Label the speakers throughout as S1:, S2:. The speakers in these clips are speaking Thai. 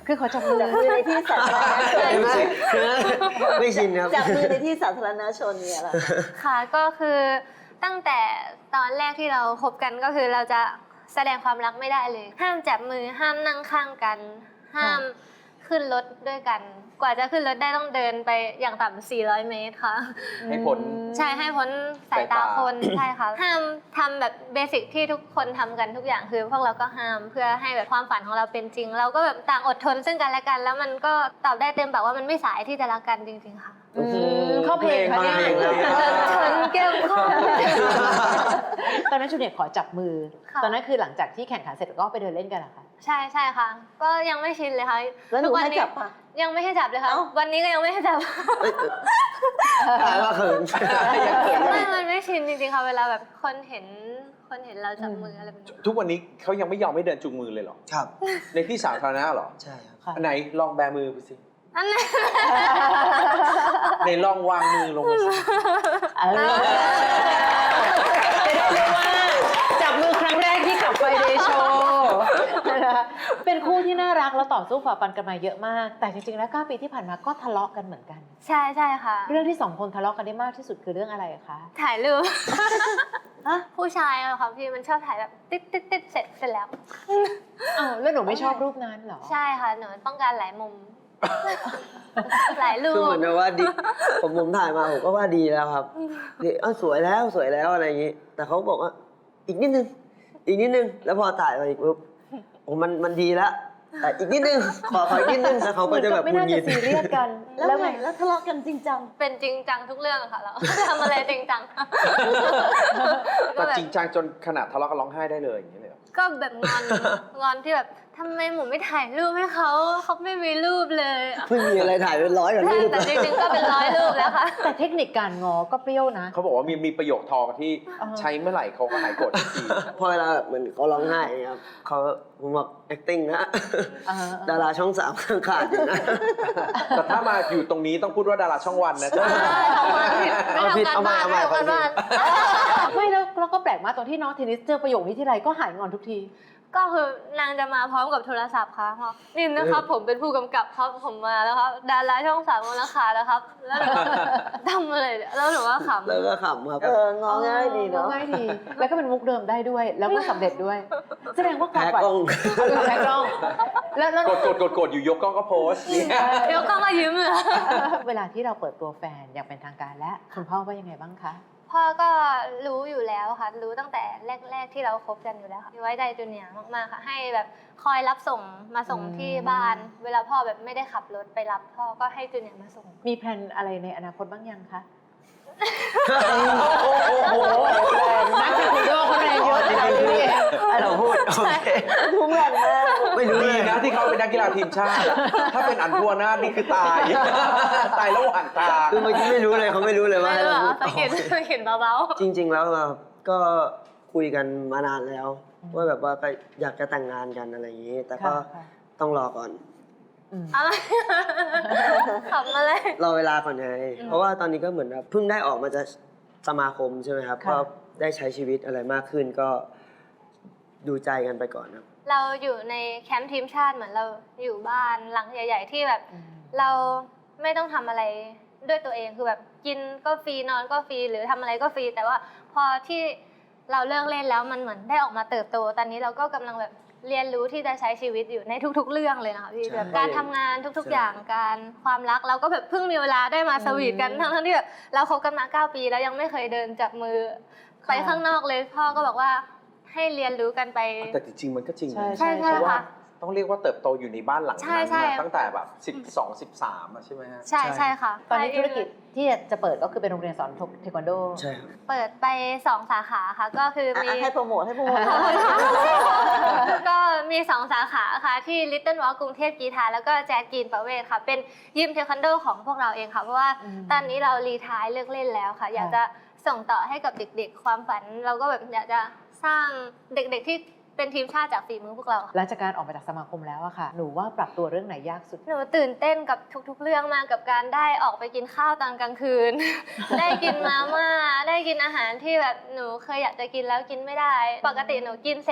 S1: คือขอจับมือ
S2: จับมือในที่สาธารณชน
S3: ไม่ชินครับ
S2: จับมือในที่สาธารณชนเนี่ยแหละ
S4: ค่ะก็คือตั้งแต่ตอนแรกที่เราคบกันก็คือเราจะแสดงความรักไม่ได้เลย ห้ามจับมือห้ามนั่งข้างกัน ห้ามขึ้นรถด้วยกัน กว่าจะขึ้นรถได้ต้องเดินไปอย่างต่ำ400 เมตรค่ะ
S5: ให้พ้น
S4: ใช่ให้พ้นสายตา
S5: สายตา
S4: คนใช่ค่ะห้ามทำแบบเบสิกที่ทุกคนทำกันทุกอย่างคือพวกเราก็ห้ามเพื่อให้แบบความฝันของเราเป็นจริง เราก็แบบต่างอดทนซึ่งกันและกัน แล้วมันก็ตอบได้เต็มปากว่ามันไม่สายที่จะรักกันจริงๆค่ะ
S1: เข้าเพลงค่ะเนี่ย
S4: ชนแก้มข้อ
S1: ตอนนั้นจูเนียร์ขอจับมือ
S4: ค่ะ
S1: ตอนนั้นคือหลังจากที่แข่งขันเสร็จก็ไปเดินเล่นกันเหรอคะ
S4: ใช่ใช่ค่ะ ก็ยังไม่ชินเลยค่ะ
S2: แล้วหนู
S4: ทุกวั
S2: ให้
S4: นี้
S2: จับปะ
S4: ยังไม่ให้จับเลยค่ะ
S2: เอ้า
S4: วันนี้ก็ยังไม่ให้จับ
S3: ตายว่าเขิน
S4: ไม่มันไม่ชินจริงๆค่ะเวลาแบบคนเห็นเราจับมืออะไรแบบนี้
S5: ทุกวันนี้เขายังไม่ยอมให้เดินจูงมือเลยเหรอ
S3: ครับ
S5: ในที่สาธารณะเหรอ
S3: ใช่ครับ
S1: ค่ะ
S5: อันไหนลองแบมือไปสิ
S4: อันนั้น
S5: ในลองวางมือลงมาสิ
S1: จะได้รู้ว่าจับมือครั้งแรกที่ขับไฟเดย์โชว์นะคะเป็นคู่ที่น่ารักแล้วต่อสู้ฝ่าฟันกันมาเยอะมาก แต่จริงๆแล้ว9 ปีที่ผ่านมาก็ทะเลาะกันเหมือนกัน
S4: ใช่ใช่ค่ะ
S1: เรื่องที่2 คนทะเลาะกันได้มากที่สุดคือเรื่องอะไรคะ
S4: ถ่ายรูปผู้ชายอะค่ะพี่มันชอบถ่ายแบบติดเสร็จแล้ว
S1: อ้าวแล้วหนูไม่ชอบรูปนั้นเหรอ
S4: ใช่ค่ะหนูต้องการหลายมุม หลายรู
S3: คือ
S4: ป
S3: เหมือนกับว่าดีผมถ่ายมาผมก็ว่าดีแล้วครับดีสวยแล้วสวยแล้วอะไรอย่างนี้ แต่เขาบอกว่าอีกนิดนึงอีกนิดนึงแล้วพอถ่ายมาอีกปุ๊บโอ้มันดีแล้วแต่อีกนิดนึงขออีกนิดนึงแล้วเขาก็จะแบบ
S1: ไม่
S3: หงุ
S1: น่า
S3: ดหงิ
S1: จะ
S3: ด
S1: ซีเรียสกัน
S2: แล้วไงแล้วทะเลาะกันจริงจัง
S4: เป็นจริงจังทุกเรื่องอะค่ะเรา ทำอะไรจริงจัง
S5: แต่จริงจังจนขนาดทะเลาะกันร้องไห้ได้เลยอย่างนี้เลยเหรอ
S4: ก็แบบงอนที่แบบทำไมหมูไม่ถ่ายรูปให้เขาไม่มีรูปเลย
S3: เพิ่งมีอะไรถ่ายเป็น100กว่า
S4: ใช่
S3: รูป
S4: แต่จริงๆก็เป็น100 รูปแล้วค่ะ
S1: แต่เทคนิคการงอก็เปรี้ยวนะ
S5: เขาบอกว่ามีประโยคทองที่
S1: อ่า
S5: ใช้เมื่อไหร่เขาก็หายโกรธทันที
S3: พอเวลาแบบเหมือนเขาร้องไห้อย่างเงี้ยครับเขาผมบอก acting นะ ดาราช่อง3ข้างขาดอยู่นะ
S5: แต่ถ้ามาอยู่ตรงนี้ต้องพูดว่าดาราช่องวันนะใช่ไหม
S4: ไม่ทำการบ้านไม่ทำการบ้าน
S1: ไม่แล้วก็แปลกมากตอนที่น้องเทนนิสเจอประโยคนี้ที่ไรก็หายงอนทุกที
S4: ก็คือนางจะมาพร้อมกับโทรศัพท์ค่ะบอกนี่นะครับผมเป็นผู้กำกับครับผมมาแล้วครับดาราช่อง3มูลค่าแล้วครับแล้วหนูทำอะไรเนี่ยแล้วหนูก็ขำ
S3: แล้วก็ขำครับ
S2: งอง่ายดีเนาะ
S1: ง่ายดี แล้วก็เป็นมุกเดิมได้ด้วย แล้วก็สำเร็จด้วย แสดงว่าความ
S3: แพ้
S1: ฝัน
S3: กล้อง
S1: แพ้กล้องแล้ว
S5: กดอยู่ยกกล้องก็โพสต์เนี่ย
S4: เดี๋ยวก็มายืมเลย
S1: เวลาที่เราเปิดตัวแฟนอย่างเป็นทางการและคุณพ่อว่ายังไงบ้างคะ
S4: พ่อก็รู้อยู่แล้วค่ะรู้ตั้งแต่แรกๆที่เราคบกันอยู่แล้วค่ะไว้ใจจูเนียร์มากๆค่ะให้แบบคอยรับส่งมาส่งที่บ้าน เวลาพ่อแบบไม่ได้ขับรถไปรับพ่อก็ให้จูเนียร์มาส่ง
S1: มีแพลนอะไรในอนาคตบ้างยังคะ
S3: โอ้โหแรง
S1: นักคุณโยคนแรงเยอะ
S3: จริงๆคือให้เราพูดโอเค
S2: ทุ่งแรงมาก
S3: ไม่รู้
S5: ดี
S3: เลย
S5: นะที่เขาเป็นนักกีฬาทีมชาติ ถ้าเป็นอันพัวนาถนี่คือตาย ตายระหว่างทาง
S3: คือเมื่อกี้ไม่รู้เลยเขาไม่รู้เลยว่า
S4: ไม่
S3: ให้
S4: รู้
S3: เรา
S4: เหร
S3: พู
S4: อ
S3: ด
S4: สะกิดเบา
S3: จริง ๆ แล้วเราก็คุยกันมานานแล้ว ว่าแบบว่าก็อยากจะแต่งงานกันอะไรอย่างนี้ แต่ก็
S1: ค่ะ
S3: ต้องรอก่อน
S4: ๆอะไรขำอะไร
S3: รอเวลาก่อนไงเพราะว่าตอนนี้ก็เหมือนแบบเพิ่งได้ออกมาจากสมาคมใช่ไหมครับ
S1: ค่ะ
S3: ก็ได้ใช้ชีวิตอะไรมากขึ้นก็ดูใจกันไปก่อนครับ
S4: เราอยู่ในแคมป์ทีมชาติเหมือนเราอยู่บ้านหลังใหญ่ ๆ ที่แบบ เราไม่ต้องทำอะไรด้วยตัวเองคือแบบกินก็ฟรีนอนก็ฟรีหรือทำอะไรก็ฟรีแต่ว่าพอที่เราเลิกเล่นแล้วมันเหมือนได้ออกมาเติบโตตอนนี้เราก็กำลังแบบเรียนรู้ที่จะใช้ชีวิตอยู่ในทุกๆเรื่องเลยนะคะพี่
S3: ใช่
S4: แบบการทำงานทุก
S3: ใช่
S4: ๆอย่างการความรักเราก็แบบเพิ่งมีเวลาได้มาสวีทกันทั้งๆที่แบบเราคบกันมา9 ปีแล้วยังไม่เคยเดินจับมือไปข้างนอกเลยพ่อก็บอกว่าให้เรียนรู้กันไป
S5: แต่จริงๆมันก็จริงนะ
S1: ใช่
S4: ใช่
S5: เพราะว่า
S4: ค่ะ
S5: ต้องเรียกว่าเติบโตอยู่ในบ้านหลัง
S4: ใช่
S5: นั้น
S4: ใช่
S5: มาตั้งแต่แบบ12 13อะใช่ไหมฮะ
S4: ใช่ใช่ค่ะ
S1: ตอนนี้ธุรกิจที่จะเปิดก็คือเป็นโรงเรียนสอนเทควันโด
S3: ใช่ครับ
S4: เปิดไป2 สาขาค่ะก็คือมี
S2: ให้โปรโมทให้โปรโมท
S4: ก็มี2 สาขาค่ะที่ Little Walk กรุงเทพกีฬาแล้วก็แจ๊กกีนประเวศค่ะเป็นยิมเทควันโดของพวกเราเองค่ะเพราะว่า ตอนนี้เรารีไทร์เลิกเล่นแล้วค่ะ อยากจะส่งต่อให้กับเด็กๆ ความฝันเราก็แบบอยากจะสร้างเด็กๆที่เป็นทีมชาติจากฝีมือพวกเราค่ะ
S1: หลังจากการออกมาจากสมาคมแล้วอะค่ะ หนูว่าปรับตัวเรื่องไหนยากสุด
S4: หนูตื่นเต้นกับทุกๆ เรื่องมากกับการได้ออกไปกินข้าวตอนกลางคืน ได้กินมาม่าได้กินอาหารที่แบบหนูเคยอยากจะกินแล้วกินไม่ได้ ปกติหนูกินเสร็จ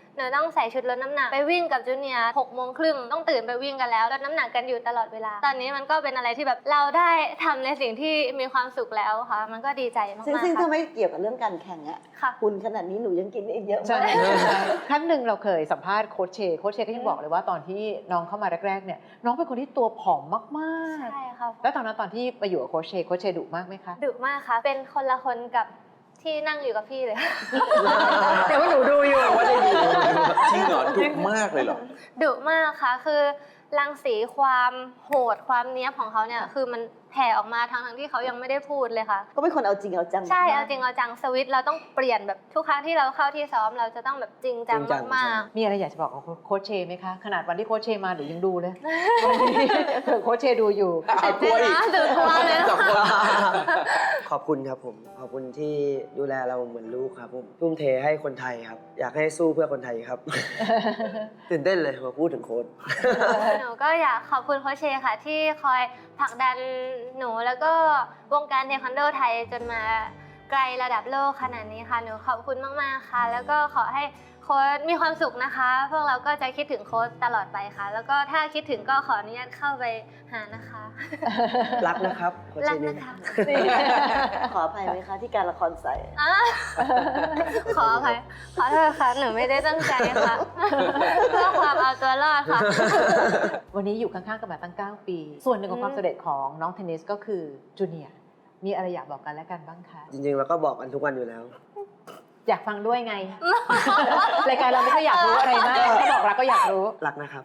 S4: หนูต้องใส่ชุดลดน้ำหนักไปวิ่งกับจูเนียร์6:30ต้องตื่นไปวิ่งกันแล้วลดน้ำหนักกันอยู่ตลอดเวลาตอนนี้มันก็เป็นอะไรที่แบบเราได้ทำในสิ่งที่มีความสุขแล้วค่ะมันก็ดีใจมาก
S2: ซึ่ง
S4: ๆ
S2: ถ้า
S4: ค่ะ
S2: ไม่เกี่ยวกับเรื่องการแข่งอะ
S4: ค่ะ
S2: คุณขนาดนี้หนูยังกินได้อีกเยอะ
S1: ใช่
S2: มาก
S1: ครั้งหนึ่งเราเคยสัมภาษณ์โค้ชเชก็ยังบอกเลยว่าตอนที่น้องเข้ามาแรกๆเนี่ยน้องเป็นคนที่ตัวผอมมาก
S4: ใช่ค่ะ
S1: ๆแล้วตอนที่ไปอยู่กับโค้ชเชดุมากไหมคะ
S4: ดุมากค่ะเป็นคนละคนกับที่นั่งอยู่กับพี่เลย
S1: แต่ว่าหนูดูอยู่
S5: ว่าได้ดูจริงเหรอดุมากเลยเหรอ
S4: ดุมากค่ะคือรังสีความโหดความเนี้ยบของเขาเนี่ยคือมันแผ่ออกมาทั้งที่เขายังไม่ได้พูดเลยค่ะ
S2: ก็เป็นคนเอาจริงเอาจัง
S4: ใช่
S2: มก
S4: เอาจริงเอาจังสวิตช์เราต้องเปลี่ยนแบบทุกครั้งที่เราเข้าที่ซ้อมเราจะต้องแบบจริงจัง
S3: จริงจัง
S4: มาก
S1: มีอะไรอยากจะบอกกับโค้ชเชไหมคะขนาดวันที่โค้ชเชมาหนูยังดูเลยเผื่อโค้ชเชดูอยู่
S4: ๆตื่นเต้นนะตื่นกลัวเลย
S5: จับ
S4: ค่ะ
S3: ขอบคุณครับผม ขอบคุณที่ดูแลเราเหมือนลูกครับผมทุ่มเทให้คนไทยครับ อยากให้สู้เพื่อคนไทยครับ ตื่นเต้นเลยมาพูดถึงโค้ช
S4: หนูก็อยากขอบคุณโค้ชเชค่ะ ที่คอยผลักดันหนูแล้วก็วงการเทควันโดไทยจนมาไกลระดับโลกขนาดนี้ค่ะหนูขอบคุณมากๆค่ะ แล้วก็ขอให้โค้ชมีความสุขนะคะ พวกเราก็จะคิดถึงโค้ชตลอดไปค่ะ แล้วก็ถ้าคิดถึงก็ขออนุญาตเข้าไปหานะคะ
S3: รักนะครับโค้ช
S4: รัก
S3: เชนี่
S4: นะคะ
S2: ขออภัยไหมคะที่การละครใส่
S4: อ่ะขออภัยขอโทษค่ะหนูไม่ได้ตั้งใจค่ะ เพื่อความเอาตัวรอดค่ะ
S1: วันนี้อยู่ข้างๆกันมาตั้ง 9 ปี ส่วนหนึ่งของความสำเร็จของน้องเทนนิสก็คือจูเนียร์มีอะไรอยากบอกกันและกันบ้างคะ
S3: จริงๆเราก็บอกกันทุกวันอยู่แล้ว
S1: อยากฟังด้วยไง รายการเราไม่ค่อยอยากรู้อะไรมากถ้าบอกรักก็อยากรู้
S3: รักนะครับ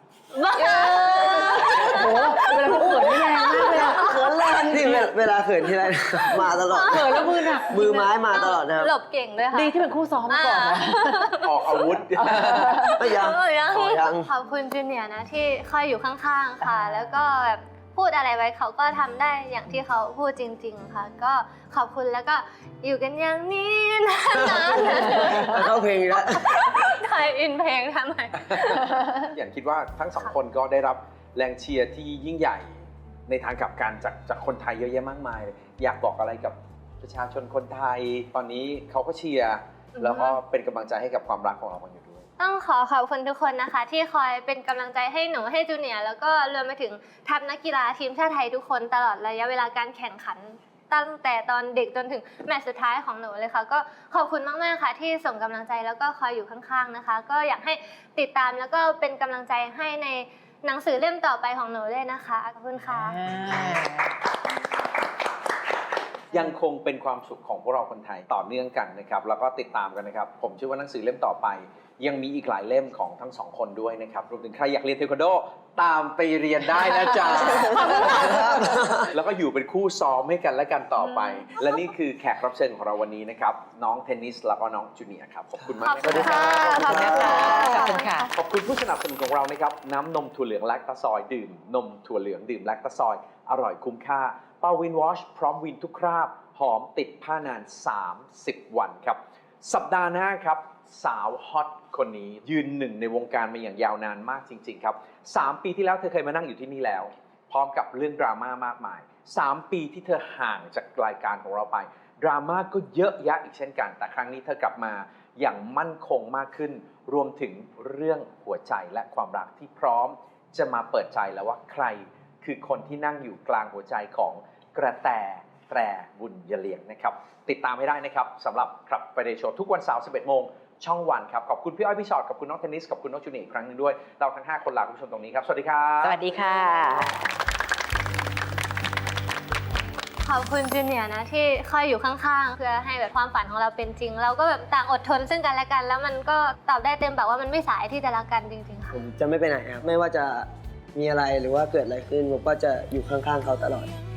S1: โอ้โหเวลาเขาเขินนี่แรงมากเลยอะ
S2: เขินแรง
S3: นี่เวลาเขินที่ไร มาตลอด
S1: เขินแล้วมือหนัก
S3: มือไม้มาตลอดนะครับ
S4: หลบเก่งด้วยค่ะ
S1: ดีที่เป็นคู่ซ้อมมาก่อนนะ
S5: ออกอาวุธ
S3: ไม่ยัง
S4: ยัง
S3: อ๋อยัง
S4: ขอบคุณจูเนียร์นะที่คอยอยู่ข้างๆค่ะ แล้วก็แบบพูดอะไรไว้เขาก็ทำได้อย่างที่เขาพูดจริง ๆ ค่ะ ก็ขอบคุณแล้วก็อยู่กันอย่างนี้นานๆ
S3: เข้าเพลงอีกแล้ว
S4: ไทยอินเพลงทำไม
S5: อย่างคิดว่าทั้งสองคนก็ได้รับแรงเชียร์ที่ยิ่งใหญ่ในทางกลับกันจากคนไทยเยอะแยะมากมาย อยากบอกอะไรกับประชาชนคนไทย ตอนนี้เขาก็เชียร์แล้วก็เป็นกำลังใจให้กับความรักของเรากันอยู่ด้วย
S4: ต้องขอบคุณทุกคนนะคะ ที่คอยเป็นกำลังใจให้หนูให้จูเนียร์แล้วก็รวมไปถึงทัพนักกีฬาทีมชาติไทยทุกคนตลอดระยะเวลาการแข่งขัน ตั้งแต่ตอนเด็กจนถึงแมตช์สุดท้ายของหนูเลยค่ะ ก็ขอบคุณมากๆค่ะที่ส่งกำลังใจแล้วก็คอยอยู่ข้างๆนะคะ ก็อยากให้ติดตามแล้วก็เป็นกำลังใจให้ในหนังสือเล่มต่อไปของหนูด้วยนะคะขอบคุณค่ะ
S5: ยังคงเป็นความสุขของพวกเราคนไทยต่อเนื่องกันนะครับแล้วก็ติดตามกันนะครับผมเชื่อว่าหนังสือเล่มต่อไป ยังมีอีกหลายเล่มของทั้งสองคนด้วยนะครับรวมถึงใครอยากเรียนเทควันโดตามไปเรียนได้นะจ๊ะ แล้วก็อยู่เป็นคู่ซ้อมให้กันและกันต่อไป และนี่คือแขกรับเชิญของเราวันนี้นะครับน้องเทนนิสแล้วก็น้องจูเนียร์ครับขอบคุณมาก
S4: ขอบ
S5: นะ
S4: คุณ
S5: ครั
S4: ค่ะ
S5: บ
S4: ขอบคุณค่ะ
S1: ขอบคุณค่ะ
S5: ขอบคุณผู้สนับสนุนของเรานะครับน้ำนมถั่วเหลืองแลคตาซอยดื่มนมถั่วเหลืองดื่มแลคตาซอยอร่อยคุ้มค่าเป้าวินวอชพร้อมวินทุกคราบหอมติดผ้านาน30 วันครับสัปดาห์หน้าครับสาวฮอตคนนี้ยืนหนึ่งในวงการมาอย่างยาวนานมากจริงๆครับ3 ปีที่แล้วเธอเคยมานั่งอยู่ที่นี่แล้ว พร้อมกับเรื่องดราม่ามากมาย3 ปีที่เธอห่างจากรายการของเราไปดราม่าก็เยอะแยะอีกเช่นกันแต่ครั้งนี้เธอกลับมาอย่างมั่นคงมากขึ้นรวมถึงเรื่องหัวใจและความรักที่พร้อมจะมาเปิดใจแล้วว่าใครคือคนที่นั่งอยู่กลางหัวใจของกระแตบุญยเลียงนะครับติดตามให้ได้นะครับสำหรับครับไฟเดย์โชว์ทุกวันเสาร์ 11 โมงช่องวันครับขอบคุณพี่อ้อยพี่ชอตขอบคุณน้องเทนนิสขอบคุณน้องจูเนียร์อีกครั้งหนึงด้วยเราทั้ง5 คนลาคุณผู้ชมตรงนี้ครับสวัสดีครับ
S1: สวัสดีค่ะ
S4: ขอบคุณจูเนียร์นะที่คอยอยู่ข้างๆเพื่อให้แบบความฝันของเราเป็นจริง เราก็แบบต่างอดทนซึ่งกันและกัน แล้วมันก็ตอบได้เต็มปากว่ามันไม่สายที่จะรักกันจริงๆค่ะ
S3: ผมจะไม่ไปไหนครับ ไม่ว่าจะมีอะไรหรือว่าเกิดอะไรขึ้นผมก็จะอยู่ข้างๆเขาตลอด